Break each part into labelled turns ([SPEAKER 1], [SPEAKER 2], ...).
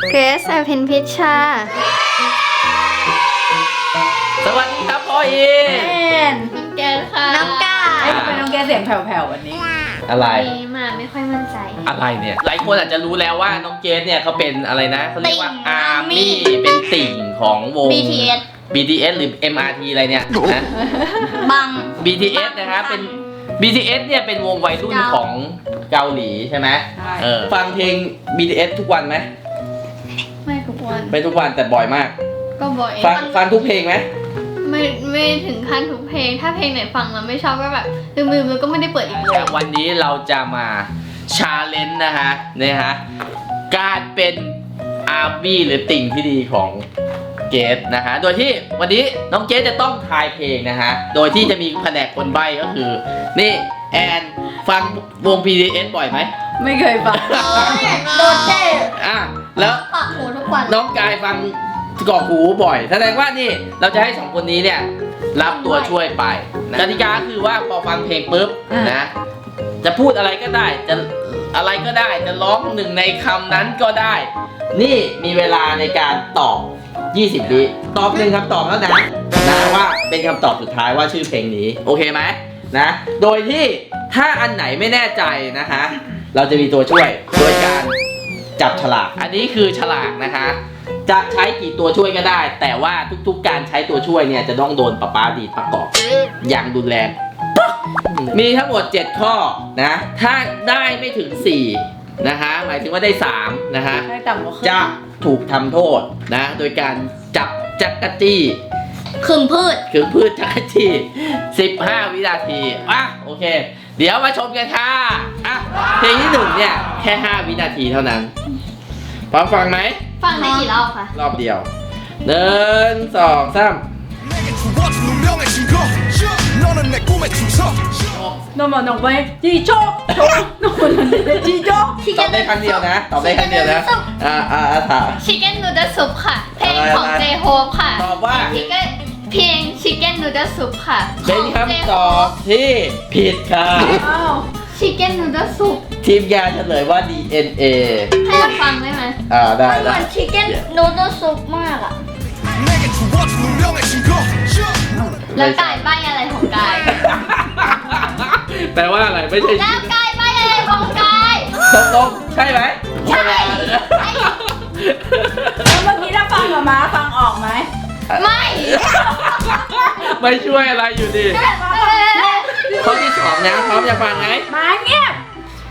[SPEAKER 1] เกรซอภินพิชชา
[SPEAKER 2] สวัสดีครับพ่อเอ
[SPEAKER 1] น้องแกนค่ะน้องกา
[SPEAKER 3] ไอ้ทำไมน้องแกเสียงแผ่วๆวันนี้
[SPEAKER 2] อะไร
[SPEAKER 1] มาไม่ค่อยมั่นใจ
[SPEAKER 2] อะไรเนี่ยหลายคนอาจจะรู้แล้วว่าน้องเกสเนี่ยเขาเป็นอะไรนะเขาเรียกว่าอาร์มี่เป็นติ่งของวง BTS หรือ MRT อะไรเนี่ยนะ
[SPEAKER 1] บัง
[SPEAKER 2] BTS นะครับเป็น BTS เนี่ยเป็นวงวัยรุ่นของเกาหลีใช่ไหม
[SPEAKER 3] ใช่
[SPEAKER 2] ฟังเพลง BTS ทุกวันไหม
[SPEAKER 1] ไม่ทุกวัน
[SPEAKER 2] ไม่ทุกวันแต่บ่อยมาก
[SPEAKER 1] ก็บ่อย
[SPEAKER 2] ฟังทุกเพลงไหม
[SPEAKER 1] ไม่ถึงขั้นทุกเพลง ถ้าเพลงไหนฟังแล้วไม่ชอบก็แบบลืมๆแล้วก็ไม่ได้เปิดอีกเลย
[SPEAKER 2] วันนี้เราจะมาชาเลนจ์นะฮะการเป็นอาร์มี่หรือติ่งที่ดีของเกสนะฮะโดยที่วันนี้น้องเกสจะต้องทายเพลงนะฮะโดยที่จะมีแผนกคนใบ้ก็คือนี่แอนฟังวง BTS บ่อยไหม
[SPEAKER 3] ไม่เคยฟัง
[SPEAKER 1] โดนเจ๊
[SPEAKER 2] อ่ะแล้ว
[SPEAKER 1] ปากหูทุกวัน
[SPEAKER 2] น้องกายฟังกรอกหูบ่อยแสดงว่านี่เราจะให้สองคนนี้เนี่ยรับตัวช่วยไปกติกาคือว่าพอฟังเพลงปุ๊บนะจะพูดอะไรก็ได้จะอะไรก็ได้จะร้องหนึ่งในคำนั้นก็ได้ นี่มีเวลาในการตอบ 20 วิตอบหนึ่งคำตอบแล้วนะว่าเป็นคำตอบสุดท้ายว่าชื่อเพลงนี้โอเคไหมนะโดยที่ถ้าอันไหนไม่แน่ใจนะคะเราจะมีตัวช่วยโดยการจับฉลากอันนี้คือฉลากนะคะจะใช้กี่ตัวช่วยก็ได้ แต่ว่าทุกๆการใช้ตัวช่วยเนี่ยจะต้องโดนป๊าดีดประกอบอย่างรุนแรงมีทั้งหมด 7 ข้อนะถ้าได้ไม่ถึง4นะคะหมายถึงว่าได้3นะคะ
[SPEAKER 3] ได้ต่ำกว่าครึ่ง
[SPEAKER 2] จะถูกทำโทษนะโดยการจับจักรจี้
[SPEAKER 1] คึมพืช
[SPEAKER 2] คือพืชจักรจี้15 วินาทีอ่ะโอเค เดี๋ยวมาชมกันค่ะอ่ะเพลงที่1เนี่ยแค่ 5 วินาทีเท่านั้นพร้อมฟังไหม
[SPEAKER 1] ฟังได้กี่รอบคะ
[SPEAKER 2] รอบเดียว1 2 3
[SPEAKER 3] โนมอนองไปจีโจ๊กโจ๊กโนมอนจีโจ๊ก
[SPEAKER 2] ตอบได้ครั้งเดียวนะตอบได้ครั้งเดียวนะถาม
[SPEAKER 1] ชิคเก้นนูดลซุปค่ะ เพลงของ
[SPEAKER 2] อะไรนะ
[SPEAKER 1] เจโฮปค่ะ
[SPEAKER 2] ตอบว่า
[SPEAKER 1] เพลงชิคเก้นนูดลซุปค่ะ
[SPEAKER 2] เป็นคำตอบที่ผิดค่ะ
[SPEAKER 3] อ้าว
[SPEAKER 1] ชิคเก้นนูดลซุป
[SPEAKER 2] ทีมงานเฉลยว่า DNA
[SPEAKER 1] ให้เราฟังได้ไหม
[SPEAKER 2] ได้
[SPEAKER 1] เหมือนชิคเก้นนูดลซุปมากอะแล้วกายใบอะไรของกาย
[SPEAKER 2] แปลว่าอะไรไม่ใช่
[SPEAKER 1] แล้วกายใบอะไรของกาย
[SPEAKER 2] ตกลงใช่ไหม
[SPEAKER 1] ใช่
[SPEAKER 3] แล้วเมื่อกี้ถ้าฟังกับม้าฟังออกไหม
[SPEAKER 1] ไม่
[SPEAKER 2] ไม่ช่วยอะไรอยู่ดีข้อที่2นะพร้อมจะฟังไหม
[SPEAKER 3] ม้าเงียบ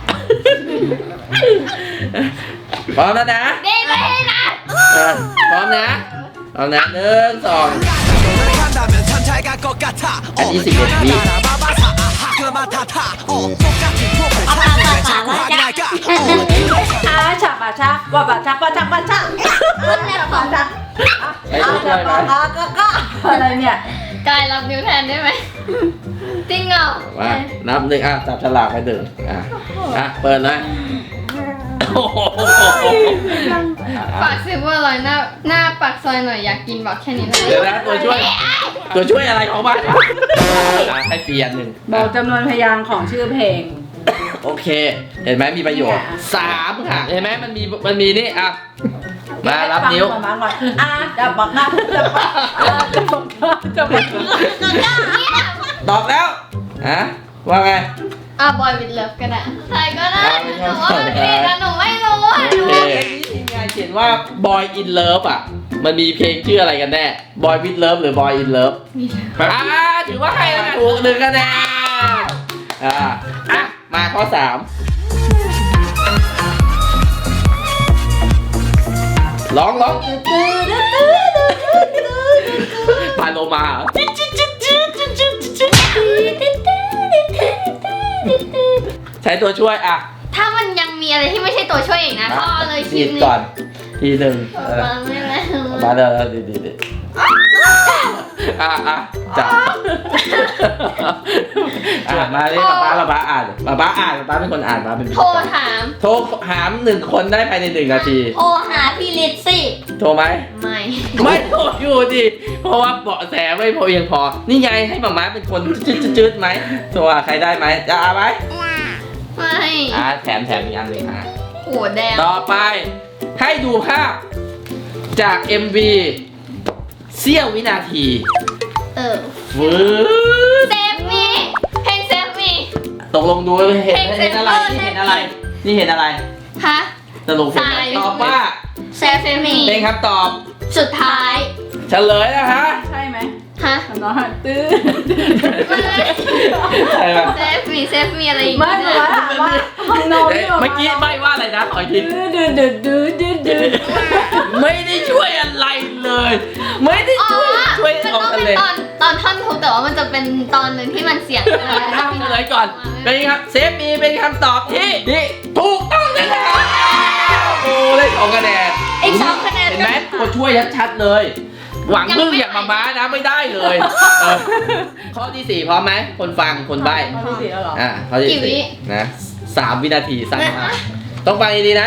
[SPEAKER 2] พร้อมแล้วนะ
[SPEAKER 1] ดีไม่นะ
[SPEAKER 2] พร้อมนะพร้อมนะ1 2อันนี้11 วิ
[SPEAKER 3] อาฉาบาชาว่าบาชาบาชาบาชา
[SPEAKER 1] มันแนบของ
[SPEAKER 3] ชา
[SPEAKER 2] ใช้ตัวช่วยไหม
[SPEAKER 3] อะไรเนี่ย
[SPEAKER 1] กายรับนิ้วแทนได้ไหมจริงเหรอ
[SPEAKER 2] ว่านับ1จับฉลากไป1เปิดเลยโอ้โห
[SPEAKER 1] ปากซิเวอร์ลอยหน้าปากซอยหน่อยอยากกินบอกแค่นี้เลย
[SPEAKER 2] เดี๋ยวนะตัวช่วยอะไรของมันให้เปลี่ยน1
[SPEAKER 3] บอกจำนวนพยางค์ของชื่อเพลง
[SPEAKER 2] โอเค เห็นไหมมีประโยชน์3ค่ะเห็นไหมมันมีนี่อ่ะมารับนิ้ว
[SPEAKER 3] ฟังก่อนก่อนจับบักหน้าจับบักจับบัก
[SPEAKER 2] ตอบแล้วว่าไง
[SPEAKER 1] บอยวิดเลิฟก็ได้ใครก็ได้
[SPEAKER 2] ไม่
[SPEAKER 1] ห
[SPEAKER 2] ชอบ
[SPEAKER 1] นูว่ามันผิดนะหนูไม่รู้อ่ะ
[SPEAKER 2] โอเคทีมงานเขียนว่า Boy in Love อ่ะมันมีเพลงชื่ออะไรกันแน่ Boy with Love หรือ Boy in Love ถือว่าให้แล้วกันถูก1 คะแนนมาข้อ 3ร้องพาโลมาใช้ตัวช่วย
[SPEAKER 1] ถ้ามันยังมีอะไรที่ไม่ใช่ตัวช่วยอีกนะก็เลยคลิป
[SPEAKER 2] ด
[SPEAKER 1] นี้
[SPEAKER 2] ก่อนที1
[SPEAKER 1] มาไม่แล้ว
[SPEAKER 2] มาเดี๋ยวดีจับมาเลยป้าอ่านป้าเป็นคนอ่านป้าเป็น
[SPEAKER 1] โทรถาม
[SPEAKER 2] 1 คนได้ภายใน1 นาที
[SPEAKER 1] โทรหาพี่ลิซสิ
[SPEAKER 2] โทรไหม
[SPEAKER 1] ไม่
[SPEAKER 2] โทรอยู่ดิเพราะว่าเบาะแสไม่พอเพียงพอนี่ไงให้หม่าม้าเป็นคนจืดไหมโทรหาใครได้ไหมจะเอาไหม
[SPEAKER 1] ไม่
[SPEAKER 2] แถมอีกอันหนึ่ง
[SPEAKER 1] โหแดง
[SPEAKER 2] ต่อไปให้ดูภาพจาก MV เสี้ยววินาที ฟื้น
[SPEAKER 1] เซฟมีเพลงเซฟมี
[SPEAKER 2] ตกลงดูเห็นอะไรนี่เห็นอะไรนี่เห็นอะไร
[SPEAKER 1] ฮะ
[SPEAKER 2] สรุปเห็นอะไรตอบว่า
[SPEAKER 1] เซฟมี
[SPEAKER 2] เป็นคำตอบ
[SPEAKER 1] สุดท้าย
[SPEAKER 2] เฉลยนะคะ
[SPEAKER 3] ใช่ไหม
[SPEAKER 1] ฮะ
[SPEAKER 3] น้องหันตื้อ
[SPEAKER 2] ใช่ปะ
[SPEAKER 1] เซฟมีอะไรอีก
[SPEAKER 3] ไม่หรอกว่าห้องนอนนี่
[SPEAKER 2] เมื่อกี้ใบว่าอะไรนะขออีกที
[SPEAKER 3] ดื้อ
[SPEAKER 2] ไม่ได้ช่วยอะไรเลย ไม่ได้
[SPEAKER 1] อ๋อ
[SPEAKER 2] ช่วย
[SPEAKER 1] มัน
[SPEAKER 2] ออก
[SPEAKER 1] ต้อง
[SPEAKER 2] ทะ
[SPEAKER 1] เป็น
[SPEAKER 2] เล
[SPEAKER 1] ตอนท่อนทุกแต่ว่ามันจะเป็นตอนหนึ่งที่มันเสียง
[SPEAKER 2] เฉลยก่อนเป็นครับเซฟมีเป็นคำตอบที่ถูกต้องนะครับโอ้ได้2 คะแนน
[SPEAKER 1] อีก2 คะแนน
[SPEAKER 2] เห็นไหมตัวช่วยชัดๆเลย หวังพึ่งอย่างมาม้านะไม่ได้เลยข้อที่ 4พร้อมไหมคนฟังคนใบ้
[SPEAKER 3] ข้อที่ 4แล้วเหรอ
[SPEAKER 2] ข้อที่สี่นะ3 วินาทีสั้นมากต้องฟังดีๆนะ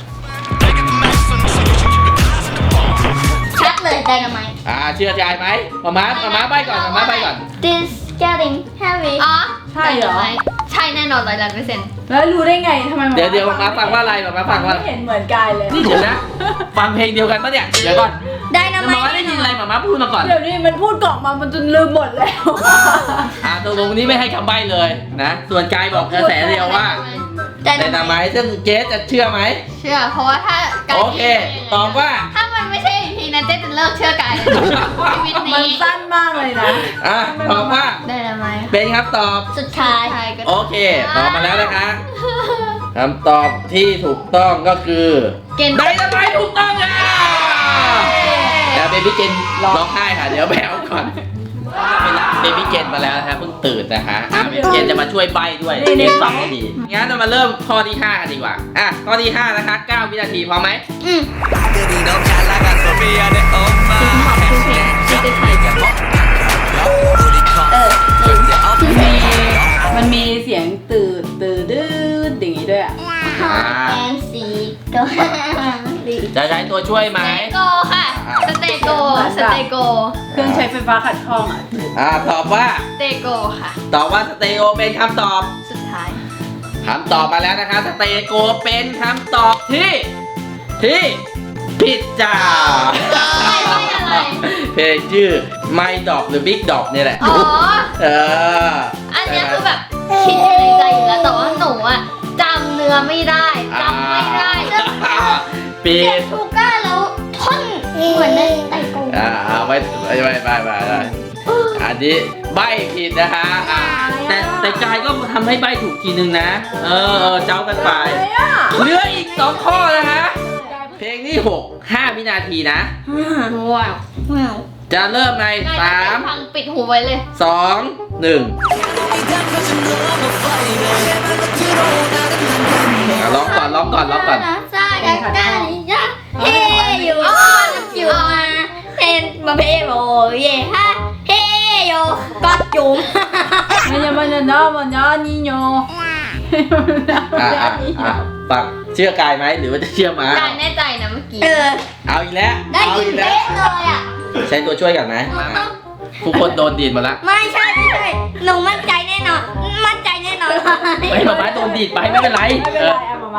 [SPEAKER 1] ชัดเลยไดนาไมต์
[SPEAKER 2] เชื่อใจไหมมาม้าใบ้ก่อนมาม้าใบ้ก่อน
[SPEAKER 1] This getting heavy อ๋อ
[SPEAKER 3] ใช่เหรอ
[SPEAKER 1] ใช่แน่นอน100%
[SPEAKER 3] แล้วรู้ได้ไงทำไม
[SPEAKER 2] เดี๋ยวมาฟังว่าอะไรมาฟังว่า
[SPEAKER 3] ไม่เห็นเหมือนกายเลย
[SPEAKER 2] นี่เดี๋ยวนะฟังเพลงเดียวกันปะเนี่ยเดี๋ยวก่อน
[SPEAKER 1] ไดนาไม
[SPEAKER 2] มา
[SPEAKER 1] ต์
[SPEAKER 2] ได้ยินอะไรมาพูดมาก่อน
[SPEAKER 3] เดี๋ยวนี้มันพูดกล่องมามันจนลืมหมดแล้ว
[SPEAKER 2] ตกลงนี้ไม่ให้คำใบ้เลยนะส่วนกายบอกกระแสเดียวว่า
[SPEAKER 1] ได
[SPEAKER 2] แต่
[SPEAKER 1] นา
[SPEAKER 2] นา
[SPEAKER 1] ไม
[SPEAKER 2] ไม้
[SPEAKER 1] ต์
[SPEAKER 2] ซึ่งเจสจะเชื่อไหม
[SPEAKER 1] เชื่อเพราะว่าถ้าการ
[SPEAKER 2] โอเคตอบว่า
[SPEAKER 1] ถ้ามันไม่ใช่อีพีนั้นเจ๊จะเลิกเชื่อกายเลยชีวิต
[SPEAKER 3] มัน
[SPEAKER 1] นี้
[SPEAKER 3] สั้นมากเลยนะ
[SPEAKER 2] ตอบว่า
[SPEAKER 1] ไดนาไมต์
[SPEAKER 2] เป็นครับตอบ
[SPEAKER 1] สุดท้าย
[SPEAKER 2] โอเคตอบมาแล้วนะคะคำตอบที่ถูกต้องก็คือ
[SPEAKER 1] เกณฑ์
[SPEAKER 2] ไดนาไม้ถูกต้องค่ะแล้วเบบี้เกนร้องไห้ค่ะเดี๋ยวแบวก่อนไปรับเบบี้เกนมาแล้วนะคะเพิ่งตื่นนะคะเบบี้เกนจะมาช่วยใบ้ด้วยเกนฟังให้ดีงั้นเรามาเริ่มข้อที่ 5 กันดีกว่าข้อที่ 5 นะคะ 9 วินาทีพร้อมไหม
[SPEAKER 1] อืม
[SPEAKER 4] 아들이 너무 잘 나가서 미안해 엄마 우리 컴 절대 없네
[SPEAKER 3] มันมีเสียงตื่นดื้ออย่างนี้ด้วยอ่ะ
[SPEAKER 1] แอนซีโก
[SPEAKER 2] จะใช้ตัวช่วยไหม
[SPEAKER 1] โกค่ะสเตโกสเตโก
[SPEAKER 3] เครื่องใช้ไฟฟ้าขัดข้องอ่ะ
[SPEAKER 2] ตอบว่า
[SPEAKER 1] สเตโกค่ะ
[SPEAKER 2] ตอบว่าสเตโอเป็นคำตอบ
[SPEAKER 1] สุดท้าย
[SPEAKER 2] คำตอบมาแล้วนะคะสเตโกเป็นคำตอบที่ผิดจ้า
[SPEAKER 1] ไม่อะไร
[SPEAKER 2] เพลงชื่อ My Dog หรือ Big Dog นี่แหละ
[SPEAKER 1] อ๋อ
[SPEAKER 2] อัน
[SPEAKER 1] เนี้ยคือแบบคิดอยู่ในใจอยู่แล้วแต่ว่าหนูอะจำเนื้อไม่ได้จำไม่ได้
[SPEAKER 2] ปี
[SPEAKER 1] เจ็บทูก้าแล้วท่อนเหมือนในไตโก
[SPEAKER 2] ไปอันนี้ใบผิดนะคะแต่กายก็ทำให้ใบถูกทีนึงนะเจ้ากันไปเหลืออีก 2 ข้อนะคะ เพลงที่ 5 วินาทีนะ
[SPEAKER 1] ว้าวว้าว
[SPEAKER 2] จะเริ่มใน
[SPEAKER 1] ฟังปิดหูไว้เลย
[SPEAKER 2] 3 2 1ร้องก่อน
[SPEAKER 1] ซาดากันยะเฮอยู่อยู่มาเฮนมาเพโบเย่ฮะเฮโยก็จุ๋ม
[SPEAKER 3] มันจะนี่โย
[SPEAKER 2] ปักเชื่อกายไหมหรือว่าจะเชื่อม้า
[SPEAKER 1] จายแน่ใจนะเมื่อกี้
[SPEAKER 2] เอาอีกแล้ว
[SPEAKER 1] ได้ยินเป๊ะเลยอ่ะ
[SPEAKER 2] ใช้ตัวช่วยกันไหมทุกคนโดนดีดหมาแล้ว
[SPEAKER 1] ไม่ใช่หนูมั่นใจแน่นอนเลย
[SPEAKER 2] ไม่มาไม้โดนดีดไปไม่เป็นไร
[SPEAKER 3] ไม่เป็นไรเอามาไว้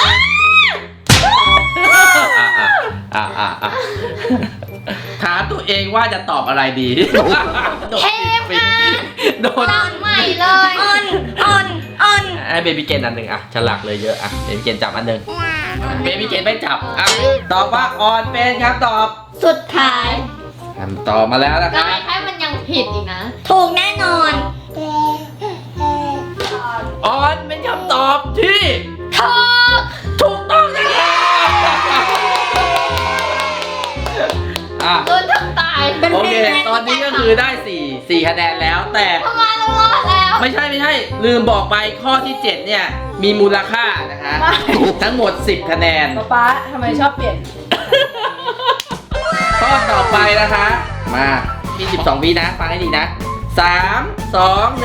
[SPEAKER 2] ถามตัวเองว่าจะตอบอะไรดี
[SPEAKER 1] เทปงาน
[SPEAKER 2] โดน
[SPEAKER 1] ตอนใหม่เลยอ่อน
[SPEAKER 2] ให้เบบี้เกนอันหนึ่งฉลากเลยเยอะเบบี้เกนจับอันหนึ่งเบบี้เกนไม่จับตอบว่าออนเป็นครับตอบ
[SPEAKER 1] สุดท้าย
[SPEAKER 2] คำตอบมาแล้วนะครับ
[SPEAKER 1] แค่มันยังผิดอีกนะ ถูกแน่นอน
[SPEAKER 2] ออนเป็นคำตอบที่
[SPEAKER 1] ถูก
[SPEAKER 2] ถูกต้องนะครับ
[SPEAKER 1] โดนทับตาย
[SPEAKER 2] โอเคตอนนี้ก็คือได้4คะแนนแล้วแต่
[SPEAKER 1] ทำไมเรารอดแล้ว
[SPEAKER 2] ไม่ใช่ลืมบอกไปข้อที่ 7 เนี่ย มีมูลค่านะคะทั้งหมด 10 คะแนน
[SPEAKER 3] ป๊าทำไมชอบเปลี่ยน
[SPEAKER 2] ข้อต่อไปนะคะมามี12 วินะ ฟังให้ดีนะ 3 2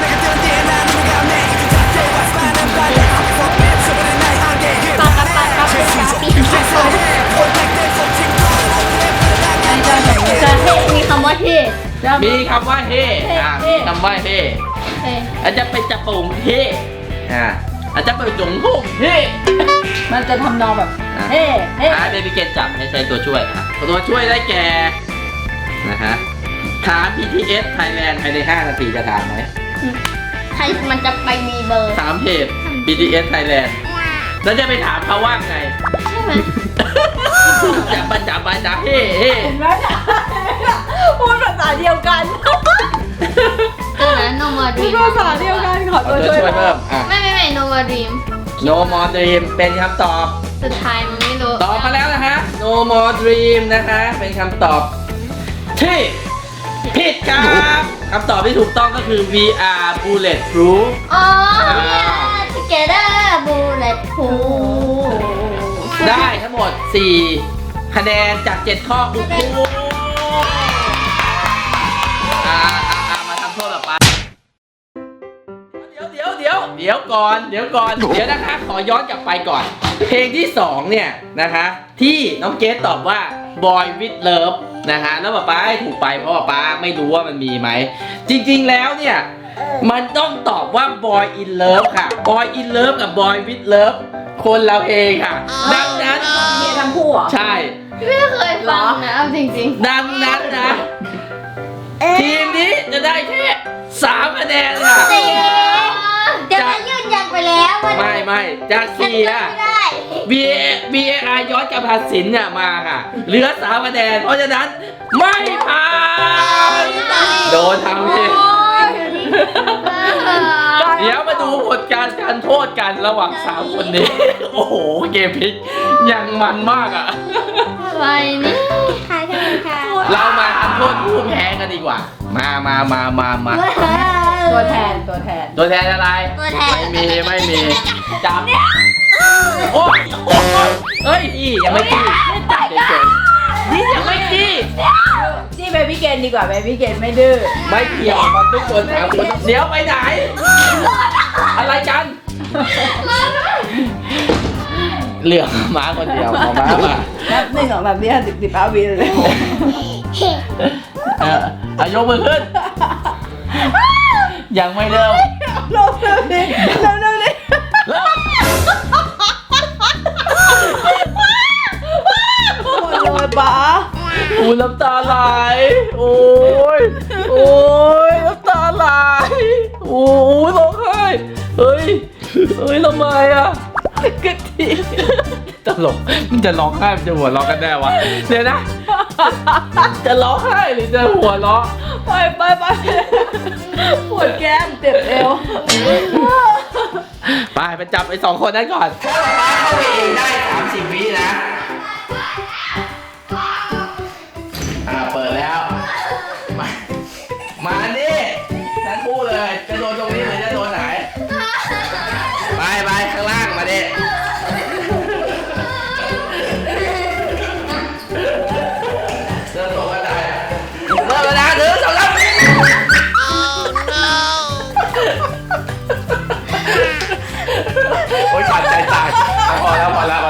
[SPEAKER 1] มีคำว่าเท่
[SPEAKER 2] 1มีคำว่าเฮมีคำว่าเฮ
[SPEAKER 1] เท่
[SPEAKER 2] อาจจะเป็นจะปุ่มเฮอาจจะไปจงพุ่งเฮ้
[SPEAKER 3] มันจะทำนองแบบเฮ้เฮ้
[SPEAKER 2] เบบี้เกนจับให้ใช้ตัวช่วยตัวช่วยได้แก่นะฮะถาม BTS Thailand ภายใน5 นาทีจะถามไหม
[SPEAKER 1] ใครมันจะไปมีเบอร์
[SPEAKER 2] ถามเพจ BTS Thailand แล้วจะไปถามเขาว่าไง
[SPEAKER 1] ใช่ไหม
[SPEAKER 2] จับมาจับมาจับเฮ้เฮ้
[SPEAKER 3] เห็นไหมเนี่ยพูดภาษาเดียวกัน
[SPEAKER 1] เออนะโนมา
[SPEAKER 3] พู
[SPEAKER 1] ดี
[SPEAKER 3] ดภาษาเดียวกันขอ
[SPEAKER 2] เอา
[SPEAKER 3] ตัว
[SPEAKER 2] ตัว
[SPEAKER 3] ช่วย
[SPEAKER 2] ช่วยเพิ่มอ่ะ
[SPEAKER 1] ไม่โนมาดีม
[SPEAKER 2] No More Dream เป็นคำตอบ
[SPEAKER 1] สุดท้ายมันไม่รู้
[SPEAKER 2] ตอบมาแล้วนะฮะ No More Dream นะคะเป็นคำตอบที่ผิดครับคำตอบที่ถูกต้องก็คือ VR Bulletproof
[SPEAKER 1] อ๋อ together bullet proof
[SPEAKER 2] ได้ทั้งหมด 4 คะแนนจาก 7 ข้ออุคูมาทำโทษแบบปาเดี๋ยวก่อนเดี๋ยวนะคะขอย้อนกลับไปก่อน เพลงที่ 2 เนี่ยนะคะ ที่น้องเกสตอบว่า Boy with Love นะคะแล้วป๊าให้ถูกไปเพราะป๊าไม่รู้ว่ามันมีไหม จริงๆแล้วเนี่ย มันต้องตอบว่า Boy in Love ค่ะ Boy in Love กับ Boy with Love คนเราเองค่ะ ดังนั้น
[SPEAKER 3] มีทั้งคู่เหรอ
[SPEAKER 2] ใช่
[SPEAKER 1] ไม่เคยฟังนะเอาจริง
[SPEAKER 2] ดังนั้นนะ ทีมนี้จะได้แค่3 คะแนนค่ะ
[SPEAKER 1] ๆเดี๋ยวมันยืนยันไปแล้วว่า
[SPEAKER 2] ไม่จาก
[SPEAKER 1] ฉัน
[SPEAKER 2] 4
[SPEAKER 1] ไม่
[SPEAKER 2] อ่ะ
[SPEAKER 1] ได้
[SPEAKER 2] VAR ย้อนกลับตัดสินเนี่ยมาค่ะ เหลือ3 คะแนน เพราะฉะนั้นไม่ผ่านโดนทำเอง เดี๋ยวมาดูผลการโทษกันระหว่าง3 คนนี้ โอ้โห เกมพลิกยังมันมากอ่ะ
[SPEAKER 1] อะไรนี่ใครกันค่ะ
[SPEAKER 2] เรามาทำโทษผู้แพ้กันดีกว่า มา
[SPEAKER 3] ตัวแทน
[SPEAKER 2] ตัวแทนอะไร
[SPEAKER 1] ตัวแทน
[SPEAKER 2] ไม่มี จับ โอ้ยเฮ้ยนี่ยังไม่จี้เฉยๆนี่ยังไม่จี้
[SPEAKER 3] จี้เบบี้เกนดีกว่าเบบี้เกนไม่ดื้อ
[SPEAKER 2] ไม่เกี่ยวมันทุกคนถามคนเดี๋ยวไปไหน อะไรกัน เหลือม้าคนเดียวของม้ามา
[SPEAKER 3] นับ1 2 3 4 5 10 15 วิเลย
[SPEAKER 2] ยกมือขึ้น ยังไม่เริ่ม
[SPEAKER 3] ลงเร็วดิเร็วดิ
[SPEAKER 2] เริ่ม
[SPEAKER 3] หมดเลยป๋า
[SPEAKER 2] อูน้ำตาไหลโอ้ยน้ำตาไหลโอ้ยร้องไห้เฮ้ยทำไมอ่ะกะทิตลกมันจะร้องไห้มันจะหัวเราะกันแน่วะเดี๋ยวนะ จะร้องไห้หรือจะหัวเราะ
[SPEAKER 3] ไปปวดแก้มเจ็บเอว
[SPEAKER 2] ไปจับไอ้2 คนนั้นก่อนถ้าป้าเข้าไปเองได้30 วินะเปิดแล้ว มานี่ทั้งคู่เลยจะโดนตรงนี้หรือจะโดนไหนไปข้างล่างมาดิเดินตรงกันได้เริ่มแล้วนะ1 2 3โอ๊ยขาดใจตายพอแล้ว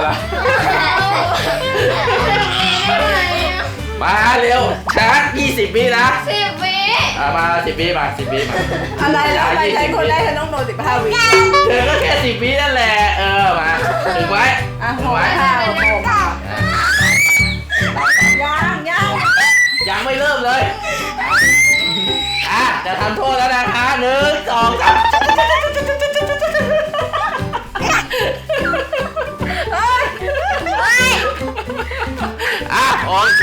[SPEAKER 2] มาเร็วช้า20 วินะ
[SPEAKER 1] 10 วิ
[SPEAKER 2] มา10 วิมา10 วิมา
[SPEAKER 3] อะไรแล้วไปใช้คนแรกฉันต้องโดน15 วิ
[SPEAKER 2] เธอก็แค่10 วินั่นแหละมาถึงไว้
[SPEAKER 3] อ่ะ
[SPEAKER 2] ถึ
[SPEAKER 3] โห
[SPEAKER 2] งไว้
[SPEAKER 3] ค่ะยัง
[SPEAKER 2] ยังไม่เริ่มเลยจะทำโทษแล้วนะคะ1 2 3โอเค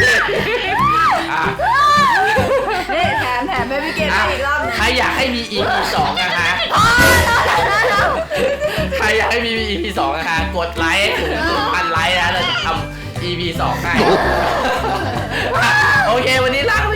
[SPEAKER 3] นี่แถมเบบี้เกนให้อีกรอบนึง
[SPEAKER 2] ใครอยากให้มี EP 2 นะคะใครอยากให้มี EP 2 นะคะกดไลค์ถึง 1,000 ไลค์นะเราจะทำ EP 2 ให้โอเควันนี้ลา